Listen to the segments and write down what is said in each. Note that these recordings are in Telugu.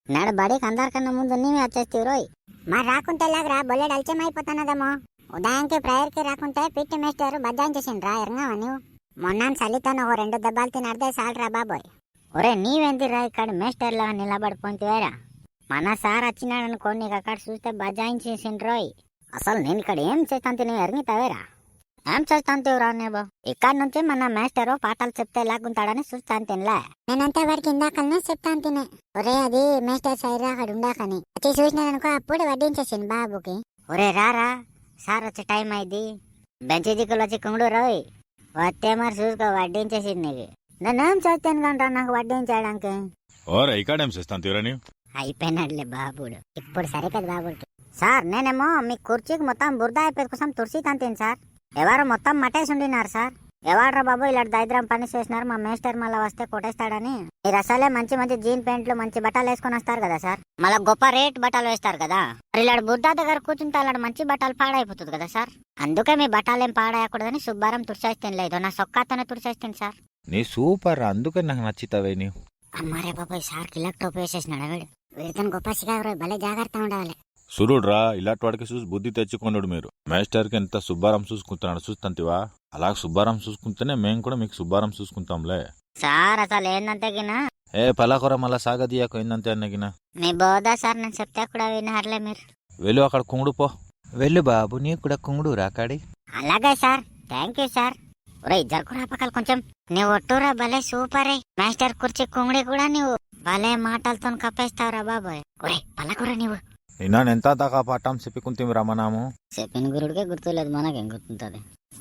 నాడు బడికి అందరికన్నా ముందు నీవే వచ్చేస్తావు రోయ్. మరి రాకుంటే ఎలాగరా బొల్లెడు అలచం అయిపోతానదేమో. ఉదయానికి ప్రేయర్కి రాకుంటే పిట్టి మేస్టారు బద్దాం చేసిండ్రా ఎరంగావా నువ్వు. మొన్న చలితోనే ఓ 2 దెబ్బలు తినడితే చాలరా బాబోయ్. ఒరే నీవెంతిరా ఇక్కడ మేస్టర్లా నిలబడిపోతేవేరా. మన సార్ వచ్చినాడనుకో నీకు అక్కడ చూస్తే బజాయించేసిండ్రోయ్. అసలు నేను ఇక్కడ ఏం చేస్తాను తిని ఎరిగితావేరా. ఏం చేస్తాను తీవురా నేబో. ఇక్కడ నుంచి మన మేస్టరు పాఠాలు చెప్తే ఎలాగుంటాడని చూస్తాను తినలే. నేనంతా వాడికి ఇందాకనే చెప్తాను తినే. ఒరే అది మేస్టర్ సైరా అక్కడ ఉండాకని వచ్చి చూసినాడనుకో అప్పుడు వడ్డించేసింది బాబుకి. ఒరే రారా సార్ వచ్చే టైం అయింది. బెంచి దిక్కులు వచ్చి కుంగుడు రోయ్. వస్తే మరి చూసుకో వడ్డించేసింది నీకు. నేనేం చేస్తాను కంటా నాకు వడ్డించడానికి. ఓరే ఇక్కడేం చేస్తాను తీరని. అయిపోయినాడులే బాబుడు. ఇప్పుడు సరికదు బాబుడికి. సార్ నేనేమో మీ కుర్చీకి మొత్తం బురద అయిపోయి కోసం తుడిసి తంతేను సార్. ఎవరు మొత్తం మటేసి ఉండినారు సార్. ఎవడ్రా బాబు ఇలాంటి దరిద్రం పని చేసినారు. మా మేస్టర్ మళ్ళీ వస్తే కొట్టేస్తాడని. మీరు అసలే మంచి మంచి జీన్ ప్యాంట్లు మంచి బట్టలు వేసుకొని వస్తారు కదా సార్. మళ్ళీ గొప్ప రేట్ బట్టలు వేస్తారు కదా. మరి ఇలాంటి బుర్దా దగ్గర కూర్చుంటే అలాంటి మంచి బట్టలు పాడైపోతుంది కదా సార్. అందుకే మీ బట్టలు ఏం పాడేయకూడదని శుభ్రం తుడిచేస్తాను. లేదు నా సొక్కాతోనే తుడిచేస్తాను సార్. నీ సూపర్ అందుకే నాకు నచ్చితావే నీవు. అమ్మారే బాబాయ్ సార్ కిలా టోపీ వేసేసినాడు వీడు. వీడితో గొప్ప సిగారు భలే జాగ్రత్త ఉండాలి. సురుడ్రా ఇలాంటి వాడికి చూసి బుద్ధి తెచ్చుకున్నాడు. మీరు మేస్టర్కి ఎంత సుబ్బారం చూసుకుంటున్నాడు చూస్తాంతివా. అలా సుబ్బారం చూసుకుంటేనే మేము కూడా మీకు సుబ్బారం చూసుకుంటాంలే. సార్ అసలు ఏందంటే గినా ఏ పలాకొర మళ్ళా సాగదీయకు ఏందంతే అన్నగిన. మీ బోదా సార్ నేను చెప్తే కూడా వినారులే మీరు. వెళ్ళు అక్కడ కుంగుడు పో. వెళ్ళు బాబు నీకు కూడా కుంగుడు రాకాడి. అలాగే సార్ థ్యాంక్ యూ సార్. ఒరే జరుకురా పక్కల కొంచెం. నువ్వు ఒట్టురా భలే సూపరే. మాస్టర్ కుర్చీ కుంగుడి కూడా నువ్వు భలే మాటలతో కప్పేస్తావురా బాబోయ్. ఒరే పల్లకురా నువ్వు. నిన్న ఎంత దాకా పాఠం చెప్పుకుంటే రమణాము. చెప్పిన గురుడికే గుర్తులేదు మనకేం గుర్తుంటది.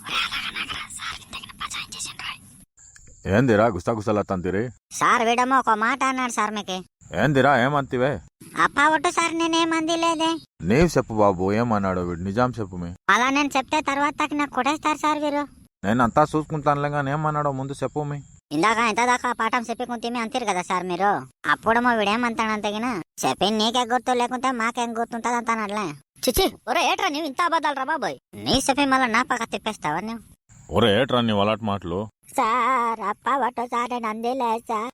ఏందిరా గుస్తాగుస్తలత్తంతిరి. సార్ వీడమ్మో ఒక మాట అన్నాడు సార్ మీకు. ఏందిరా ఏమంతివే. అప్ప ఒట్టు సార్ నేనేమంది లేదే. నీవు చెప్పు బాబు ఏమన్నాడు వీడు. నిజాం చెప్పు మీ. అలా నేను చెప్తే తర్వాత నాకు కొట్టేస్తారు సార్ వీరు. నేను అంతా చూసుకుంటానులే కానీ ఏమన్నాడో ముందు చెప్పు మీ. ఇందాక ఎంత దాకా పాఠం చెప్పుకుంటే అంతేరు కదా సార్ మీరు. అప్పుడేమో వీడేమంటాడంతగిన చెప్పి నీకే గుర్తు లేకుంటే మాకేం గుర్తుంటది అంటానట్లే. చిచి ఒరే ఏట్రా నువ్వు ఇంత అబద్ధాలు రా బాబోయ్. నీ చెప్పి మళ్ళీ నా పక్క తిప్పేస్తావా నువ్వు. ఒరే ఏట్రా నీ అలాంటి మాటలు. సార్ అప్ప ఒట్టు సార్ నేను అందేలే సార్.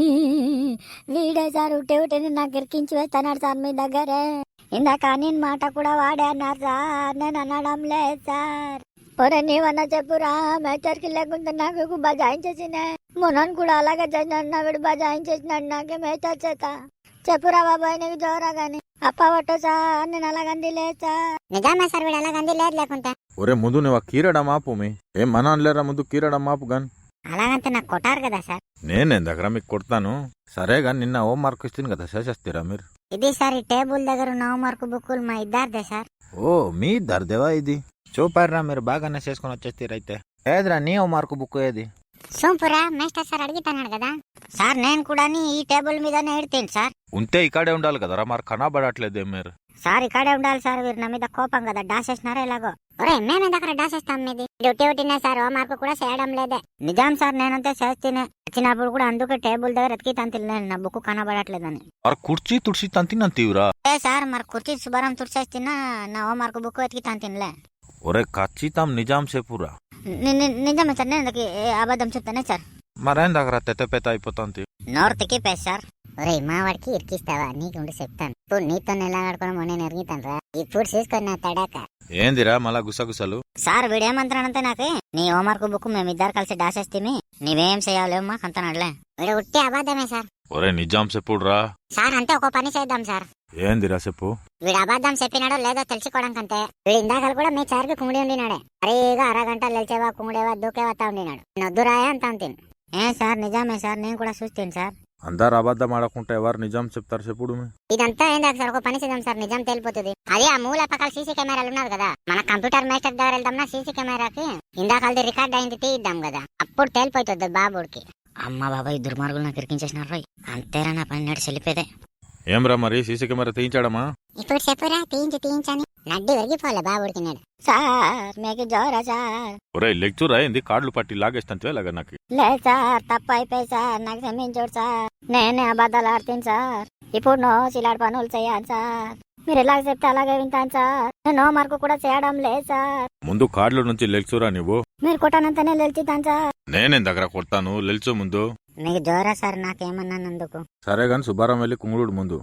వీడే సార్ ఉట్టే ఉట్టిని నాకు ఇరికించి వేస్తాడు సార్ మీ దగ్గరే. ఇందాక నేను మాట కూడా వాడే అన్నారు సార్. నేను అనడం లేదు సార్. ఒరే నీవన్నా చెప్పురా. మేచర్కి లేకుంటే నాకు బజాయించేసినే. మొన్నను కూడా అలాగే చేసినాడు. వీడు బజాయించేసినాడు నాకే మేచర్ చేత. చెప్పురా బాబాయ్ నీకు జోరా గాని. అప్ప ఒట్టు సార్ నేను అలాగంది లేదు సార్. నిజామే సార్ వీడు అలాగంది లేదు లేకుంటే. ఒరే ముందు నువ్వు కీరడం ఆపు మీ. ఏం మన అనలేరా ముందు కీరడం ఆపు గాని. అలాగంటే నాకు కొట్టారు కదా సార్. నేనేం దగ్గర మీకు కొడతాను. సరే గాని నిన్న హోం మార్క్ ఇస్తుంది కదా చేసేస్తారా మీరు. ఇది సార్ ఈ టేబుల్ దగ్గర ఉన్న హోంవర్క్ బుక్కులు మా ఇద్దరిదే సార్. ఓ మీ దర్దేవా ఇది. చూపారా మీరు బాగానే చేసుకుని వచ్చేస్తారైతే. ఏదిరా నీ హోం మార్క్ బుక్ ఏది. సోంపురా మేస్టర్ సార్ అడిగితాడు కదా సార్. నేను కూడా ఈ టేబుల్ మీదనే ఎడితేను సార్. ఉంటే ఇక్కడే ఉండాలి కదరా మరి కనబడట్లేదే మీరు. సార్ ఇక్కడే ఉండాలి సార్. వీరు నా మీద కోపం కదా డాసేసినారా ఎలాగో. ఒరే మేము దగ్గర డాసేస్తాం మీది. డ్యూటీ ఉట్టినా సార్ హోంవర్క్ కూడా చేయడం లేదే. నిజాం సార్ నేనంతే చేస్తేనే వచ్చినప్పుడు కూడా అందుకే టేబుల్ దగ్గర ఎతికి తంతిలేను నా బుక్ కనబడట్లేదని. మరి కుర్చీ తుడిసి తంతినంతీవురా. ఏ సార్ మరి కుర్చీ శుభ్రం తుడిచేస్తున్నా నా హోంవర్క్ బుక్ ఎతికి తంతిలే. ఒరే ఖచ్చితం నిజాం చెప్పురా. నిజమే సార్. నేను అబద్ధం చెప్తానే సార్. మరేం దగ్గర తెత్తపెత్త అయిపోతుంది. నోరు తిక్కిపోయి సార్. ఒరే మా వాడికి ఇరికిస్తావా నీకు ఉండి చెప్తాను. ఇప్పుడు నీతో ఎలా ఆడుకోవడం నేను ఎరుగుతాను రా. ఇప్పుడు చూసుకొని నా తడాక. ఏందిరా మళ్ళా గుసగుసలు. సార్ వీడేమంటానంటే నాకు నీ హోంవర్క్ బుక్ మేమిద్దరు కలిసి డాసేస్తే నీవేం చేయాలేమో మాకు అంతనాడులే. వీడు ఉట్టి అబద్ధమే సార్. ఒరే నిజాం చెప్పుడురా. సార్ అంతే ఒక పని చేద్దాం సార్. ఏందిరా చెప్పు. వీడు అబద్ధం చెప్పినాడో లేదో తెలుసుకోవడం కంటే వీడు ఇందాకలు కూడా మీ సార్కి కుంగుడి ఉండినాడే. అరేగా అరగంట లేచేవా కుంగుడేవా దూకేవా ఉండినాడు. నొద్దురాయా అంత అంతిన్. ఏ సార్ నిజామే సార్. నేను కూడా చూస్తాను సార్. అందరు అబద్ధం ఆడకుంటే ఎవరు నిజాం చెప్తారు చెప్పుడు. ఇదంతా ఏందాక సార్ ఒక పని చేద్దాం సార్. నిజం తెలిపోతుంది. అదే ఆ మూల పక్కల సీసీ కెమెరాలు ఉన్నారు కదా. మన కంప్యూటర్ మేస్టర్ దగ్గర వెళ్దాం సీసీ కెమెరాకి. ఇందాకది రికార్డ్ అయింది తీద్దాం కదా. అప్పుడు తేలిపోతుంది బాబుడికి. అమ్మ బాబాయ్ దుర్మార్గులు నాకు ఇరికించేసినారు రోయ్. అంతేరా నా పని నాడు చెల్లిపోదే. ఏమ్రా మరి సీసీ కెమెరా తీయించాడమా. ఇప్పుడు చెప్పురా తీయించని నడ్డి విరిగిపోలే బాబుడికి నాడు. సార్ మీకు జోరా సార్. ఒరే లెక్చర్ అయింది కార్డులు పట్టి లాగేస్తాను ఇలాగ నాకు. లేదు సార్ తప్పు అయిపోయి సార్. నాకు క్షమించోడు సార్. నేనే అబద్ధాలు ఆడుతాను సార్. ఇప్పుడు నో చిలాడు పనులు చేయాలి సార్. మీరు ఎలాగ చెప్తే అలాగే వింటాను సార్. నేను హోంవర్క్ కూడా చేయడం లేదు సార్. ముందు కార్డుల నుంచి లెక్చరా నువ్వు. మీరు కొట్టానంతనే లెల్చుతాను సార్. నేనేం దగ్గర కొడతాను లెల్చు ముందు. మీకు జోరా సార్ నాకేమన్నానందుకు. సరే గాని శుభారం వెళ్ళి కుంగుడు ముందు.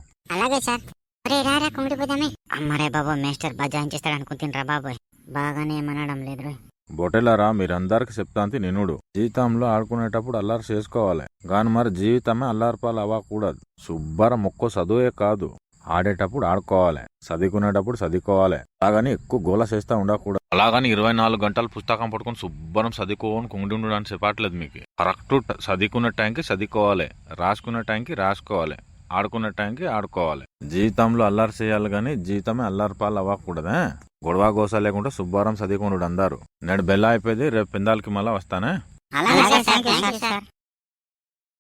అలాగే సార్. అరే రారా కుమిడిపోదామే. అమ్మరే బాబు మేస్టర్ బజాయించేస్తాడు అనుకుంటున్నారా బాబోయ్. బాగానే ఏమనడం లేదు రోయ్. బొటెలారా మీరందరికి చెప్తాంతి నినుడు. జీవితంలో ఆడుకునేటప్పుడు అల్లారు చేసుకోవాలి గాని మరి జీవితమే అల్లార్పాలు అవ్వకూడదు. శుభ్రం ఒక్కో చదువే కాదు, ఆడేటప్పుడు ఆడుకోవాలి, చదువుకునేటప్పుడు చదువుకోవాలి. అలాగని ఎక్కువ గోల చేస్తా ఉండకూడదు. అలాగని 24 గంటలు పుస్తకం పట్టుకుని శుభ్రం చదువుకోని కుండి ఉండడం అని చెప్పట్లేదు మీకు. కరెక్ట్ చదువుకునే టైంకి చదువుకోవాలి, రాసుకునే టైంకి రాసుకోవాలి, ఆడుకునే టైంకి ఆడుకోవాలి. జీవితంలో అల్లారు చేయాలి గాని జీవితమే అల్లార్పాలు అవ్వకూడదే. గొడవ గోస లేకుండా శుభ్రం చదువుకున్నాడు అందరు. నేను బెల్ల అయిపోయింది, రేపు పిందాలకి మళ్ళా వస్తానే. అలాగే అలాగే sir, sir, thank you thank you sir. Sir.